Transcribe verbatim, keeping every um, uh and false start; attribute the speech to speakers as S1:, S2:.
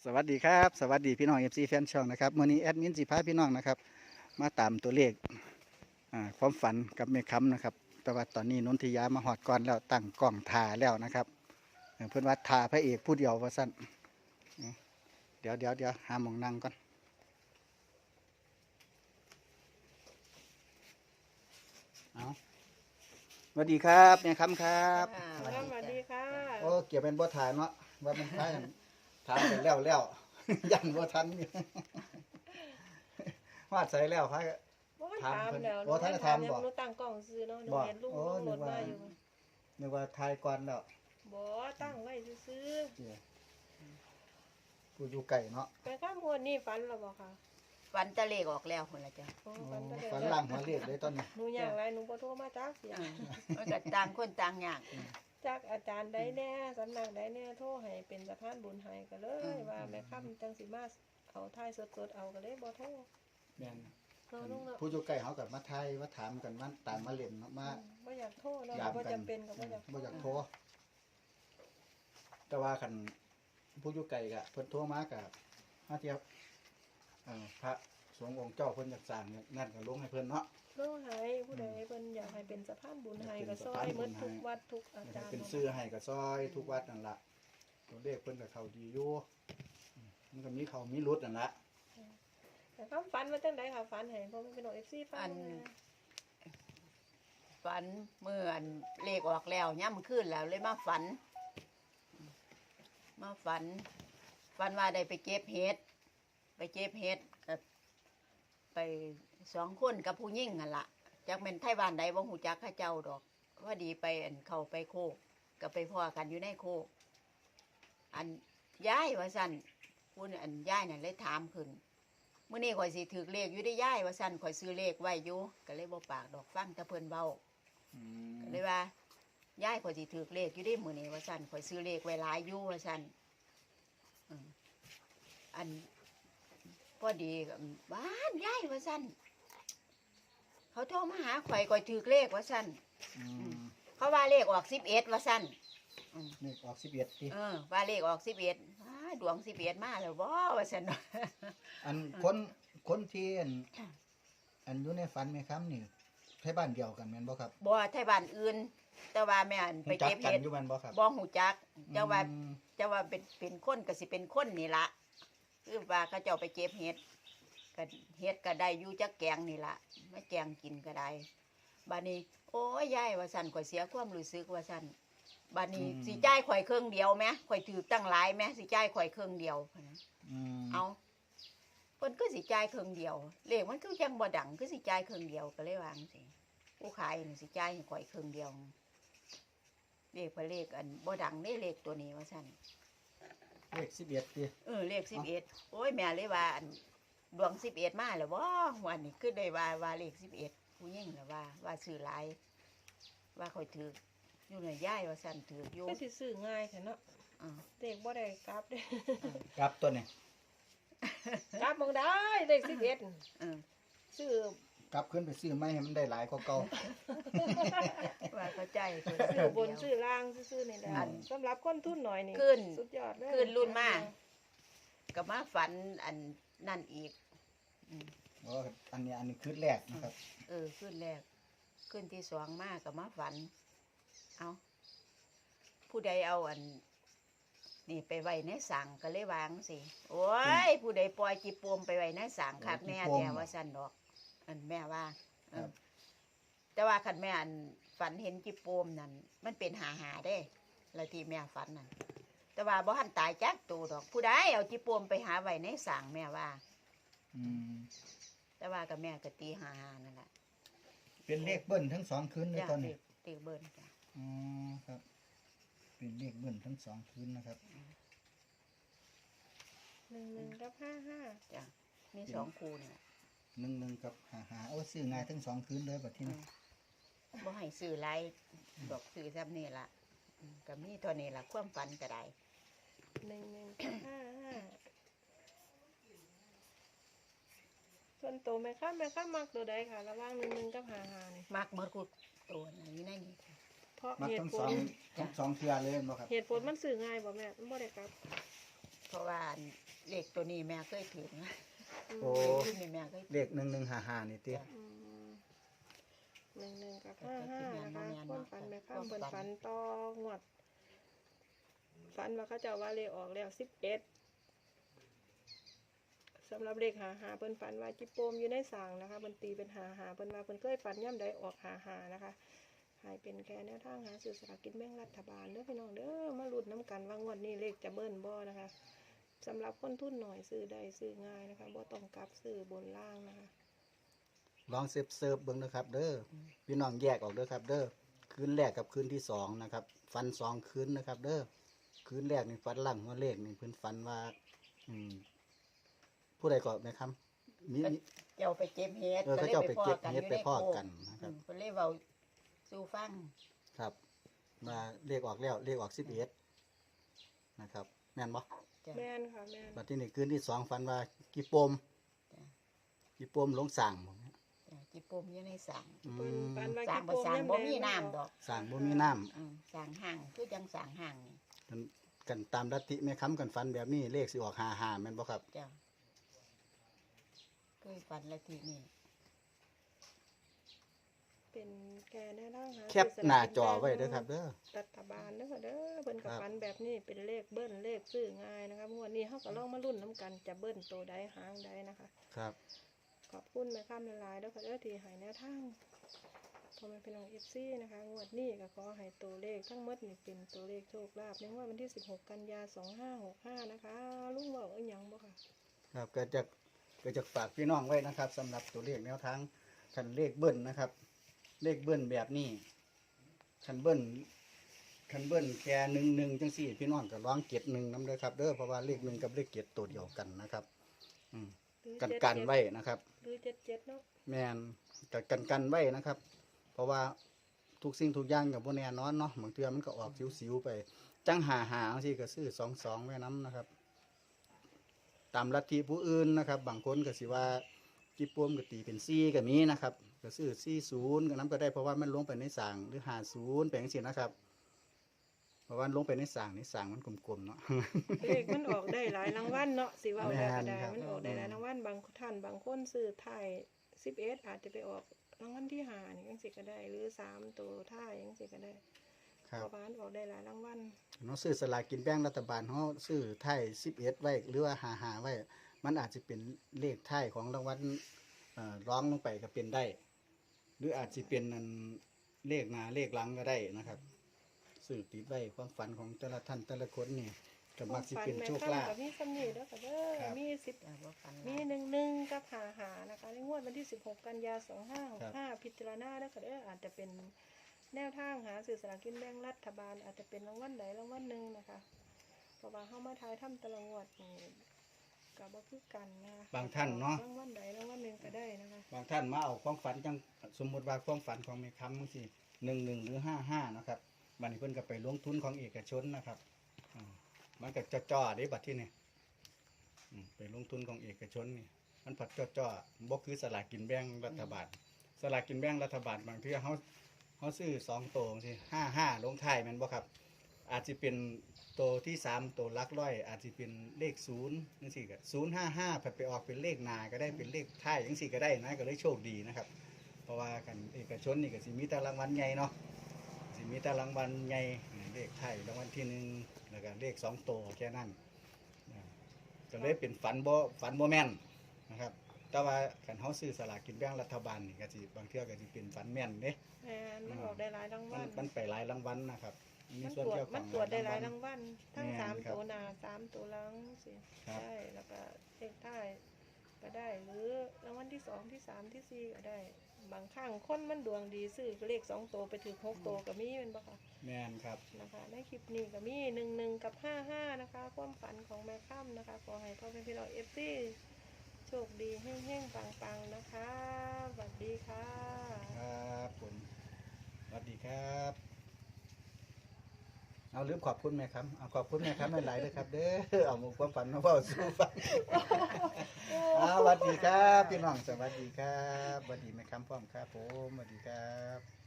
S1: สวัสดีครับสวัสดีพี่น้องเอฟซีแฟนช่องนะครับมื่อนี้แอดมินสิพาพี่น้องนะครับมาตามตัวเลขอ่าความฝันกับเมฆคำนะครับแต่ว่าตอนนี้นนทิยามาหอดก่อนแล้วตั้งกล้องถ่าแล้วนะครับเออเพื่อนว่าถ่าพระเอกผู้เดียวว่าสั้นเดี๋ยวเดี๋ยวเดี๋ยวหาหมองนั่งก่อนเอาสวัสดีครับเมฆคำครับ
S2: ค่ะ
S3: สวัสดีค่ะ
S1: โอ้เกี่ยวเป็นบ่ถ่ายเนาะว่ามันถ่ายถามกันแล้วแล้ว ยันบ่ทันอยู่ วาดใส่แล้วพระ
S3: บ่
S1: ถาม
S3: ถาม
S1: เพิ่น
S3: แล้ว
S1: โอ้ท่านจะถามบ่
S3: หนูตั้งกล้องซื้อเนาะหนู
S1: บ่
S3: เห็นลูก
S1: โอ้
S3: โหล
S1: นึ
S3: ด
S1: กว่า
S3: มาอยู่
S1: นึกว่าถ่ายก่อนแล้ว
S3: บ่ตั้งไว้ซื้อ
S1: เจ้ผู้อยู่ไก่เนาะ
S3: ๆไปข้ามวนนี่ฝันแล้วบ่ค่ะ
S2: วันตะเลกออกแล้วคนละจ้ะ
S3: โอ้
S1: โอ้
S3: ฝันก็ได้
S1: ฝันล่างหัวเรียกเลยตอนนี้
S3: หนูอยากไรหนูบ่โทรมาจักเสีย
S2: เออมันก็ต่างคนต่างอย่าง
S3: จักอาจารย์ใดแน่สำนักใดแน่โทรให้เป็นสะพานบุญให้ก็เลย ว่าแม่ค่ำจังสิมาเอาถ่ายสดๆเอาก็เลยบ่โทร
S1: แม่น
S3: เนาะลุงเนาะ
S1: ผู้อยู่ไก่เขากับมาไทยมาถามกันมาตามมาเล่นเนาะมา
S3: บ่อยากโทรเนาะ
S1: ยาม
S3: บ่
S1: กัน
S3: จำเป็นก็บ่อยาก
S1: บ่อยากโทรแต่ว่าคันผู้อยู่ไก่กะเพิ่นโทรมากะมาเทียบเอ่อพระสงฆ์องค์เจ้าเพิ่นอยากสร้างเนี่ยนั่นก็ลงให้เพิ่นเนาะ
S3: โทรให้ผู้ใดเพิ่นอยากให้เป็นสะพานบุญให้ก็ซอยหมดทุกวัดทุกอาจารย์
S1: เป็นซื้อให้กับซอยทุกวัดนั่นละตัวเลขเพิ่นกับเขาดีอยู่อืมมันก็มีเขามีรุดนั่นละ
S3: แต่ความฝันมันจังไดค่ะฝันให้เพราะมันเป็นโอเอฟซีฝันนะ
S2: ฝันเมื่ออันเลขออกแล้วย่ำขึ้นแล้วเลยมาฝัน มาฝัน ฝันว่าได้ไปเก็บเห็ดไปเก็บเห็ดกับไปสองคนกับผู้ยิ่งกันละจากเป็นไทยบ้านใดบ่หูจักข้าเจ้าดอกว่าดีไปอันเข้าไปโคกกับไปพ่อกันอยู่ในโคกอันย้ายว่าสั่นพูดอันย้ายนั่นเลยถามขึ้นเมื่อนี้ข่อยสิถือเลขอยู่ได้ย้ายว่าสั่นข่อยซื้อเลขไว้อยู่ก็เลยบ่ปากดอกฟังแต่เพิ่นเว้า
S1: อื
S2: ก็
S1: ม
S2: เลยว่าย้ายข่อยสิถือเลขอยู่ได้มื้อนี้ว่าสั่นข่อยซื้อเลขไว้หลายอยู่ว่าสั่นอืมอันพอดีก็บ้านย้ายว่าสั่นเขาโทรมาหาข่อยข่อยถือเลขว่าสั่น
S1: อืม
S2: เขาว่าเลขออกสิบเอ็ดว่าสั่น
S1: เลขออกสิบเอ็ดที
S2: เออว่าเลขออกสิบเอ็ดดวงสิบเอ็ดมาแล้วบ่ว่าสั่น
S1: อันคนคนที่อันอันอยู่ในฝันไหมครับนี่ไทยบ้านเดียวกันแม่นบ่ครับ
S2: บ่ไทยบ้านอื่น แต่ว่าแม่อันไป
S1: รู้จัก
S2: เก็บ
S1: กัน
S2: เห็ด
S1: อยู่แม่นบ่ครับ
S2: บ่หูจักเจ้าว่า
S1: อืม
S2: เจ้าว่าเป็นเป็นคนก็สิเป็นคนนี่ละคือว่าเขาเจ้าไปเก็บเห็ดก็เห็ดก็ได้อยู่จักแกงนี่ละไม่แกงกินก็ได้บัดนี้ โอ้ยยายว่าสั่นข่อยเสียความรู้สึกว่าสั่นบัดนี้สิจ่ายข่อยเครื่องเดียวไหมข่อยถือตั้งหลายไหมสิจ่ายข่อยเครื่องเดียวพะนะ
S1: อืม
S2: เอาเพิ่นก็สิจ่ายเครื่องเดียวเลขมันคือจังบ่ดังคือสิจ่ายเครื่องเดียวก็เลยวาจั่งสิผู้ขายนี่สิจ่ายให้ข่อยเครื่องเดียวเลขเพิ่นเลขอันบ่ดังเด้เลขตัวนี้ว่าซั่น
S1: เลขสิบเอ็ดที
S2: เออเลขสิบเอ็ดโอ้ยแม่เลยว่าอันดวงสิบเอ็ดมาแล้วบ่วันนี้คือได้ว่าว่าเลขสิบเอ็ดผู้หญิงแล้วว่าว่าซื้อหลายว่าข่อยถืออยู่ในย่ายว่าซั่นถืออยู่
S3: ก็สิซื้อง่ายแท้เนาะ
S2: อ่า
S3: เด็กบ่ได้กลับเด้
S1: ครับตัวนี้
S3: กลับมองได้เด็กสิบเอ็ด
S2: เออ
S3: ซื้อก
S1: ลับขึ้นไปซื้อไม้ให้มันได้หลายกว่าเก่า
S2: ว่าเข้าใจเพิ่น
S3: ซื้อบนซื้อล่างซื้อๆนี่แหละ
S1: อัน
S3: สำหรับคนทุนหน่อยนี่
S2: ขึ้น
S3: สุดยอดเลย
S2: ขึ้นรุ่นมา ก็มาฝันอันนั่นอีกอืม
S1: อ๋ออันนี้อันนี้คือแรกนะครับ
S2: เออขึ้นแรกขึ้นที่สองมากก็มาฝัน เอาผู้ใดเอาอัน นี่ไปไว้ในสั่งก็เลยวางสิโอ้ยผู้ใดปล่อยจีปวมไปไว้ในสั่งคักแน่แต่ว่าสั่นดอก อันแม่ว่าเออแต่ว่าคันแม่อันฝันเห็นจีปวมนั่นมันเป็นหาหาๆเด้แล้วที่แม่ฝันนั่นแต่ว่าบ่ทันตายจักตัวดอก ผู้ใดเอาจีปวมไปหาไว้ในสั่งแม่ว่า
S1: อืม
S2: แต่ว่ากับแม่ก็ตีหาหานั่นแหละ
S1: เป็นเลขเบิ้ลทั้งสองคืนเลย
S2: จ้ะ
S1: ตอน
S2: เด็
S1: นี้
S2: กเด็กเบิร์นจ้ะ
S1: อ๋อครับ เป็นเลขเบิ้ลทั้งสองคืนนะครับ
S3: หนึ่งหนึ่งกับห้าห้า
S2: จ้ะมีสองคูเนี่ย
S1: หนึ่งหนึ่งกับหาหาโอ้ซื้อง่ายทั้งสองคืนเลยแบบที่นี่
S2: บ่ให้ซื้อไรดอกซื้อซ้ำนี่ละอืมก็มีเท่านี้ละความฝันก็ได้
S3: หนึ่งหนึ่งกับห้าห้าส่วนตัวแม่ค้าแม่ค้ามักตัวใดค่ะ ระหว่างหนึ่งหนึ่งกับห้าห้านี่
S2: มักเมื่อกูตัวนะอยู่ในนี้
S3: เพราะ
S1: มัก
S3: เหตุ
S1: ทั้ง
S3: ผ
S1: สอ
S3: ล
S1: งทั้งสองเทือเลยบ่ครับ
S3: เหตุผลมันซื้อง่ายบ่แม่มันบ่ได้กลับ
S2: เพราะว่าอันเลขตัวนี้แม่เคยถือนะ
S1: โอ้
S2: เลขนี่แม่เคย
S1: เลขหนึ่งหนึ่งห้าห้านี่ติ
S3: อืมหนึ่งหนึ่งกับห้าห้านะคะความฝันแม่ข้ามบนฝันต่องวดฝันว่าเขาเจะว่าเลขออกแล้วสิบเอ็ดสำหรับเลขหาหาเพิ่นฝันว่าจิปโปมอยู่ในสางนะคะเพิ่นตีเป็นหาหาเพิ่นว่าเพิ่นเคยฝันย่ำใดออกหาหานะคะให้เป็นแค่แนวทางหาซื้อสลากกินแบ่งรัฐบาลเด้อพี่น้องเด้อมาลุ้นน้ำกันว่างวดนี้เลขจะเบิ้ลบ่นะคะสำหรับคนทุนหน่อยซื้อได้ซื้อง่ายนะคะบ่ต้องกลับซื้อบนล่างนะคะ
S1: ลองเซิร์ฟเซิร์ฟเบิ่งนะครับเด้อพี่น้องแยกออกเด้อครับเด้อคืนแรกกับคืนที่สองนะครับฟันสองคืนนะครับเด้อคืนแรกนี่ฟันหลังหัวเลขนี่เพิ่นฟันว่าอืมผู้ใดก็ไหมครับมีมี
S2: เจ้าไปเก็บเฮ็ด
S1: เออเขาเจ้าไปเก็บเฮ็ดไปพอกัน
S2: นะ
S1: นะ
S2: ค
S1: ค
S2: รั
S1: รั
S2: บบ เพิ่นเลยเว้าสู่ฟัง
S1: ครับมาเลขออกแล้วเลขออกสิบเอ็ดนะครับแม่นบ่
S2: จ้ะ
S3: แม่นค่ะแม่น
S1: บัดที่นี่คืนที่สองฟันว่ากี่ปม
S2: จ้ะ
S1: กี่ปมลงสั่งบ่เนี่ย
S2: จ้ะจิปโปมอยู่ในสาง
S1: อื
S3: เพิ่น
S1: ม
S3: ฝันว่า
S2: สาง
S3: จิ
S2: บ่
S3: โปม
S2: สาง
S3: ย่ำ
S2: บ่
S3: ใด
S2: มีน้ำดอก
S1: สั่งบ่มีน้ำ
S2: อืมสางห่างคือจังสางห่างนี่
S1: กันกันตามลัทธิแม่ค้ำกันฟันแบบนี้เลขสิออกห้าห้าแม่นบ่ครับ
S2: จ้ะเคยฝันละทีนี่
S3: เป็นแกแน่นอนค่ะ
S1: แคปหน้าจอไว้เด้อครับเด้อ
S3: รัฐบาลเด้อค่ะเด้อเพิ่นกับ
S1: ครับ
S3: ฝันแบบนี้เป็นเลขเบิ้ลเลขซื้อง่ายนะคะงวดนี้เฮาก็ลองมาลุ้นน้ำกันจะเบิ้ลโตใดหางใดนะคะ
S1: ครับ
S3: ขอบคุณแม่ข้ามละลายเด้อค่ะเด้อที่ให้แนวทางพอแม่พี่น้อง เอฟ ซี นะคะงวดนี้ก็ขอให้ตัวเลขทั้งหมดนี่เป็นตัวเลขโชคลาภในงวดวันที่สิบหกกันยายนสองห้าหกห้านะคะลุงเว้าอีหยังบ่ค่ะ
S1: ครับก็จะก็จะฝากพี่น้องไว้นะครับสำหรับตัวเลขแนวทางคันเลขเบิ้ลนะครับ เลขเบิ้ลแบบนี้คันเบิ้ลคันเบิ้ลแค่หนึ่งหนึ่งจังสี่ พี่น้องก็ร้องเกียรติหนึ่งน้ำเด้อครับเด้อเพราะว่าเลขหนึ่งกับเลขเกียรติตัวเดียวกันนะครับอืม
S3: หรือ
S1: กัน
S3: เจ็ด
S1: กัน
S3: เจ็ด
S1: ไว้นะครับ
S3: หรือเจ็ดเจ็ดเนาะ
S1: แมนกับกันกันไว้นะครับ เพราะว่าทุกสิ่งทุกอย่างกับพวกแน่นอนเนาะบางเทื่อมันก็ออกสิวๆไป จังหาหาสิก็ซื้อสองสองไว้น้ำนะครับ ตามลัทธิผู้อื่นนะครับ บางคนก็สิว่าจิปวมก็ตีเป็นซี่ก็มีนะครับก็ซื้อซี่ศูนย์ก็น้ำก็ได้เพราะว่ามันลงไปในสางหรือหาศูนย์ไปอย่างสินะครับ เพราะว่าลงไปในสางในสางมันกลมๆเนาะ
S3: เลขมันออกได้หลายรางวัลเนาะสิเว้าได้ก็ได้
S1: แม่นครับ
S3: มันออกได้หลายรางวัลบางท่านบางคนซื้อท้ายสิบเอ็ดอาจจะไปออกรางวัลที่ห้านี่จังสิก็ได้ หรือสามตัวท้ายจังสิก็ได้
S1: ครับ
S3: เพราะว่ามันออกได้หลายรางวัล
S1: เราซื้อสลากกินแบ่งรัฐบาลเขาซื้อไทยสิบเอ็ดไว้หรือว่าหาหาไว้ มันอาจจะเป็นเลขไทยของรางวัลเอ่อร้องลงไปก็เป็นได้ หรืออาจจะเป็นอันเลขหนาเลขหลังก็ได้นะครับซื้อติดไว้ความฝันของแต่ละท่านแต่ละคนนี่ก็มักสิเป็นโชคลาภ
S3: กับมีสำนีเด้อค่ะเด้อ
S1: ครับ
S3: มีสิบ
S2: จ้ะบ่ฝันหลาย
S3: มีหนึ่งหนึ่งกับหาหานะคะในงวดวันที่สิบหกกันยาสองห้าหกห้าพิจารณาเด้อค่ะเด้ออาจจะเป็นแนวทางหาสื่อสลารกินแบ่งรัฐบาล อาจจะเป็นรางวัลใดรางวัลหนึ่งนะคะเพราะว่าเข้ามาทายถ้ำตะละงวดนี่กับบ่คือกันนะคะ
S1: บางท่านเนาะ
S3: รางวัลใดรางวัลหนึ่งก็ได้นะคะ
S1: บางท่านมาเอาความฝันจังสมมติว่าความฝันของแม่ค้ำบางสิหนึ่งหนึ่งหรือห้าห้านะครับบัดนี้เพิ่นก็ไปลงทุนของเอกชนนะครับอ่ามันก็จ่อๆเด้บัดที่นี่อืมไปลงทุนของเอกชนนี่มันผัดจ่อๆบ่คือสลากกินแบ่งรัฐบาล สลากกินแบ่งรัฐบาลบางเทื่อเขาเขาซื้อสองตัวสิห้าห้าลงท้ายแมันบ่ครับ อาจจะเป็นตัวที่สามตัวหลักร้อย อาจจะเป็นเลขศูนย์นั่นสิก็ศูนย์ห้าห้าผัดไปออกเป็นเลขหนาก็ได้เป็นเลขท้ายยังสิก็ได้นะก็เลยโชคดีนะครับ เพราะว่ากันเอกชนนี่ก็สิมีแต่รางวัลใหญ่เนาะสิมีแต่รางวัลใหญ่เลขท้ายรางวัลที่หนึ่งแล้วก็เลขสองตัวแค่นั้นนะก็เลยเป็นฝันบ่ฝันบ่แม่นนะครับ แต่ว่าการเขาซื้อสลากกินแบ่งรัฐบาลนี่ก็สิบางเทื่อก็สิเป็นฝันแม่นเด้
S3: แม่นมันออกได้หลายราง
S1: มั
S3: วัน ล
S1: มันไปหลายรางวัลนะครับมี
S3: มัน
S1: ส่วน
S3: ตรวจ
S1: เกี่ยวข
S3: มั
S1: อน ง
S3: ตรวจได้หลาย
S1: วั
S3: รางวัลทั้ง
S1: แม่น
S3: สาม
S1: ครับ
S3: ตัวหน้าสามตัวหลังสิ
S1: ครับ
S3: ได้แล้วก็เลขท้ายก็ได้ หรือรางวัลที่สองที่สามที่สี่ก็ได้ บางครั้งคนมันดวงดีซื้อเลขสองตัวไปถือหกตัวก็มีเป็นปะคะ
S1: แม่นครับ
S3: นะคะในคลิปนี้ก็มีหนึ่งหนึ่งกับห้าห้านะคะ ความฝันของแม่ค่ำนะคะขอให้พ่อแม่พี่น้องเอฟซีโชคดีแห้งๆปังๆนะคะสวัสดีค่ะ
S1: ครับผมสวัสดีครับ เอาลืมขอบคุณไหมครับเอาขอบคุณไหมครับหลายๆเลยครับ เด้อเอาหมุกความฝันมาเฝ้าสู้ฟัง เอาสวัสดีครับพี่น้องสวัสดีครับสวัสดีไหมครับพร้อมครับผมสวัสดีครับ